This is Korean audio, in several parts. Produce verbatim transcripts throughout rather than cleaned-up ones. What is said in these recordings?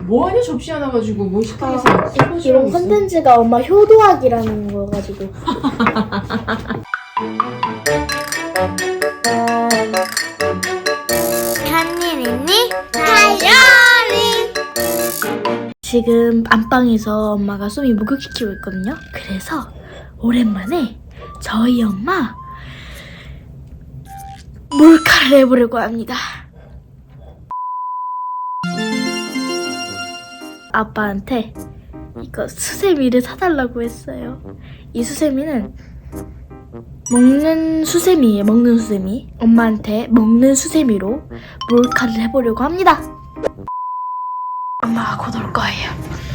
뭐하냐 접시 하나 가지고 뭐 식탁에서 아, 이런 컨텐츠가 엄마 효도학이라는 거 가지고. 한일 있니? 다이어리. 지금 안방에서 엄마가 쏘미 목욕시키고 있거든요. 그래서 오랜만에 저희 엄마 몰카를 해보려고 합니다. 아빠한테 이거 수세미를 사달라고 했어요. 이 수세미는 먹는 수세미예요. 먹는 수세미. 엄마한테 먹는 수세미로 몰카를 해보려고 합니다. 엄마가 곧 올 거예요.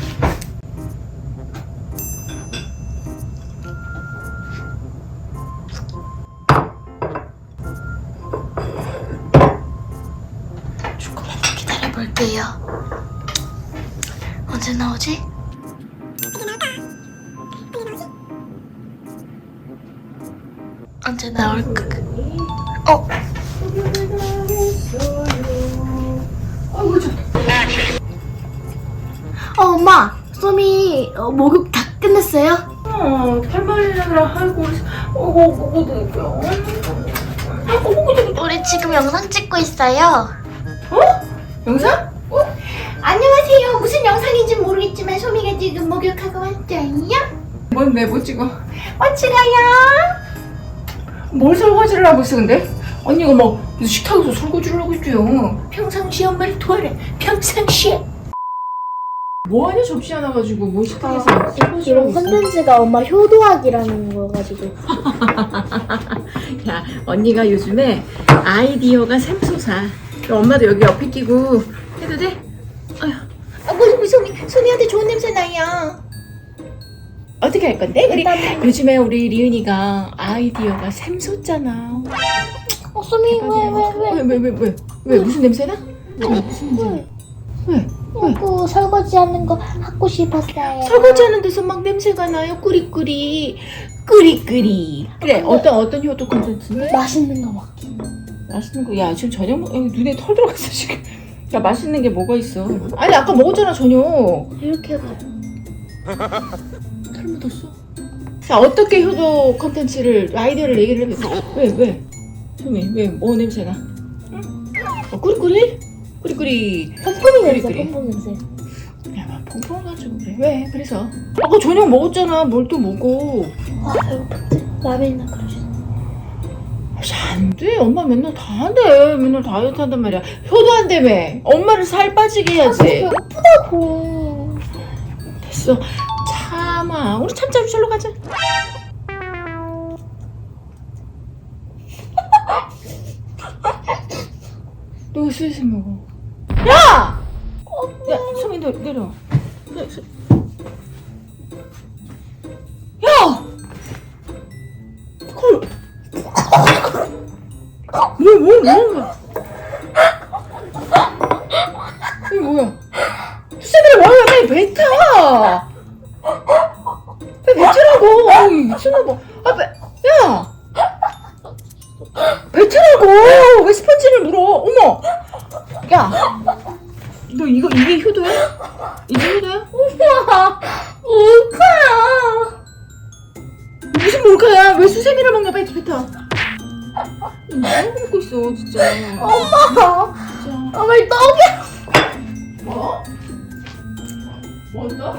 조금만 더 기다려볼게요. 언제 나오지? 언제 나올까? 어? 어, 엄마! 쏘미 어, 목욕 다 끝냈어요? 어, 팔만이라 하고, 어고, 어고, 어고, 우리 지금 영상 찍고 있어요. 어? 영상? 어? 안녕하세요. 무슨 영상인지 모르겠지만 소미가 지금 목욕하고 왔어요. 뭔데, 뭐 찍어? 어찌가요? 뭘 설거지를 하고 있어, 근데? 언니가 뭐, 식탁에서 설거지를 하고 있죠. 평상시에 엄마를 도와라. 평상시에. 뭐하냐 접시 하나 가지고 뭐 식탁에서 아, 설거지를 하고 이런 있어. 컨텐츠가 엄마 효도학이라는 거 가지고. 야, 언니가 요즘에 아이디어가 샘솟아. 엄마도 여기 옆에 끼고 해도 돼? 아이고, 소미, 소미한테 좋은 냄새 나요. 어떻게 할 건데? 우리 일단- 요즘에 우리 리은이가 아이디어가 샘솟잖아. 어, 쏘미 왜, 왜, 왜? 왜, 왜, 왜, 왜? 왜? 무슨 냄새나? 왜? 무슨 냄새? 왜? 왜? 그 설거지 하는 거 하고 싶었어요. 설거지하는 데서 막 냄새가 나요. 꾸리꾸리. 꾸리꾸리. 그래, 어떤, 어떤 효도 콘텐츠인데? 맛있는 거 먹기. 맛있는 거, 야, 지금 저녁, 먹- 여기 눈에 털 들어갔어, 지금. 야, 맛있는 게 뭐가 있어? 아니, 아까 먹었잖아, 저녁. 이렇게 해가지고. 털 묻었어. 자, 어떻게 효도 콘텐츠를, 아이디어를 얘기를 해봐. 왜, 왜? 소미, 왜, 뭐 냄새나? 응? 어, 꾸리꾸리? 꾸리꾸리. pompom이 냄새, 그래, 그래. pompom 냄새. 야, 막 펑펑 가지고 그래. 왜? 그래서. 아까 저녁 먹었잖아. 뭘 또 먹어. 와, 배고팠지? 라면이나 끓여주세요. 안 돼. 엄마 맨날 다 한대. 맨날 다이어트 한단 말이야. 효도 한다며. 엄마를 살 빠지게 해야지. 배고프다고. 됐어. 참아. 우리 참자. 절로 가자. 너 슬슬 먹어. 야! 야, 소미 너 내려. 야! 소... 야! 콜. 뭐, 뭐, 뭐야? 이게 뭐야? 수세미를 뭐야? 빨리 뱉어! 빨리 뱉으라고! 어이, 미쳤나봐. 아, 배, 야! 뱉으라고! 왜 스펀지를 물어? 어머! 야! 너 이거, 이게 효도야? 이게 효도야? 엄마, 몰카야. 무슨 몰카야? 왜 수세미를 먹냐? 빨리 뱉어. 뭐 먹고 있어, 진짜. 엄마, 진짜. 엄마 떡이야. 뭐? 뭐 떡?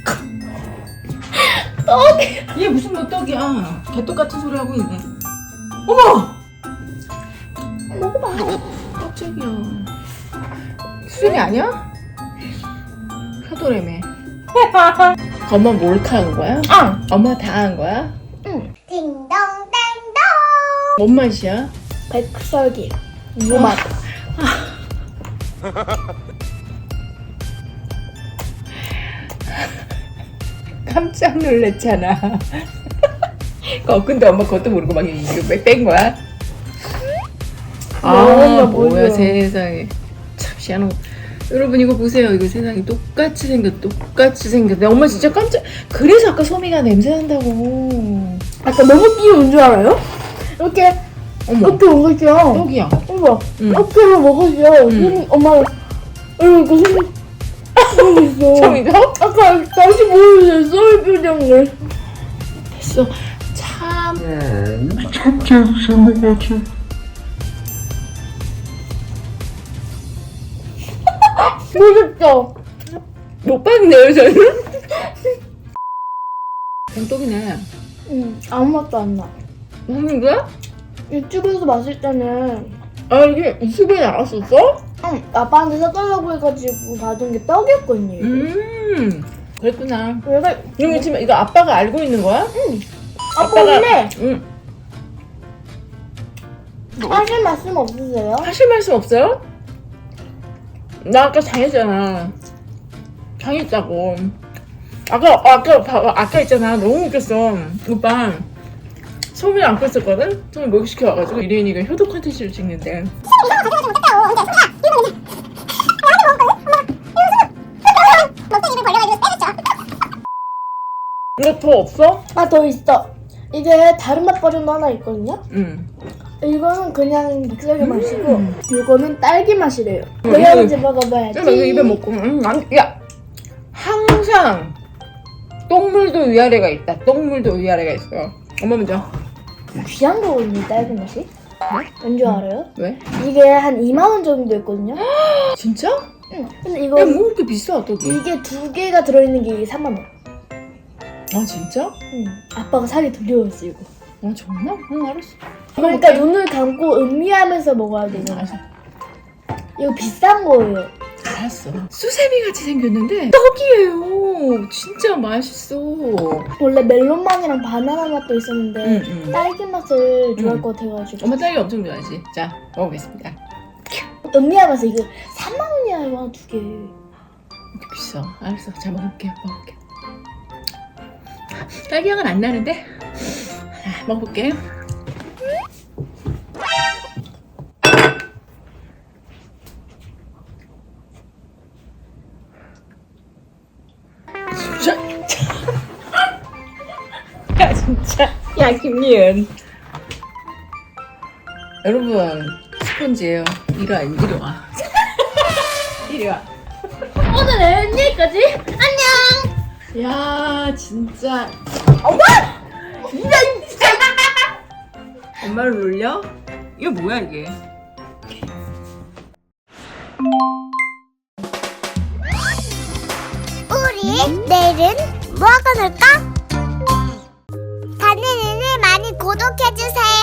떡이야. 얘 무슨 뭐 떡이야? 개떡 같은 소리 하고 있네. 어머! 먹어봐. 깜짝이야. 수세미 아니야? 효도래매. 엄마 몰카한 거야? 응. 엄마 다 한 거야? 딩동댕동. 뭔 맛이야? 백설기. 무맛. 깜짝 놀랐잖아. 어, 근데 엄마 그것도 모르고 막 이거 뺀 거야? 아, 뭐야, 뭐야, 뭐야. 세상에. 참 희한하고. 여러분 이거 보세요. 이거 세상에 똑같이 생겼, 똑같이 생겼. 엄마 진짜 깜짝. 그래서 아까 소미가 냄새 난다고. 아까 너무 귀여운 줄 알아요? 이렇게 어머, 이렇게 먹었죠. 떡이야. 어머, 응. 이렇게 먹었죠. 응. 손이 엄마 이렇게 손이 모르고 있어. 처음이죠? 아까 다시 보여줬어 이 표정을. 됐어. 참. 참 재밌는 것 같아. 모르겠어. 못 봤네요, 저는. 병떡이네. 응, 아무 맛도 안 나. 먹는 거야? 유튜브에서 봤을 때는 아, 이게 유튜브에 나왔었어? 응, 아빠한테 사달라고 해가지고 받은 게 떡이었거든요. 이거. 음, 그랬구나. 내가 이거 지금 이거 아빠가 알고 있는 거야? 응. 아빠 근데 응. 하실 말씀 없으세요? 하실 말씀 없어요? 나 아까 당했잖아. 당했다고. 아까, 아까, 봐봐. 아까 있잖아. 너무 웃겼어. 오빠. 소민이 안고 있었거든? 소민 목욕시켜 와가지고 이래인이가 효도 컨텐츠를 찍는데. 이거 더 없어? 아, 더 있어. 이게 다른 맛 버전도 하나 있거든요? 응. 이거는 그냥 믹서기 맛이고, 음. 이거는 딸기 맛이래요. 음, 내가 이거- 먼저 먹어봐야지. 야, 나 이거 입에 먹고, 응, 안, 야! 항상 똥물도 위아래가 있다. 똥물도 위아래가 있어. 엄마 먼저. 귀한 거거든요, 딸기 맛이. 왠지 알아요? 왜? 이게 한 이만 원 정도 있거든요? 진짜? 응. 근데 야, 이거, 뭐 그렇게 비싸, 떡이? 이게 두 개가 들어있는 게 삼만 원. 아, 진짜? 응. 아빠가 사기 두려웠어, 이거. 아, 정말? 응, 알았어. 그러니까 눈을 감고 음미하면서 먹어야 되잖아. 알았어. 이거 비싼 거예요. 알았어. 수세미 같이 생겼는데 떡이에요. 진짜 맛있어. 원래 멜론맛이랑 바나나 맛도 있었는데 응, 응. 딸기 맛을 좋아할 응. 것 같아가지고 엄마 딸기 엄청 좋아하지. 자, 먹어보겠습니다. 음미하면서 이거 삼만 원이야 이거 두 개. 이렇게 비싸. 알았어. 자, 먹을게요. 먹을게요. 딸기 향은 안 나는데? 아, 먹어볼게요. 진짜. 야, 진짜. 야, 김리은. 여러분, 스펀지예요. 이리 와, 이리 와. 이리 와. 오늘은 여기까지. 안녕. 야, 진짜. 엄마! 야, 진짜. 엄마를 놀려? 이거 뭐야, 이게? 우리 내일은 뭐하고 놀까? 다니엘을 많이 구독해주세요.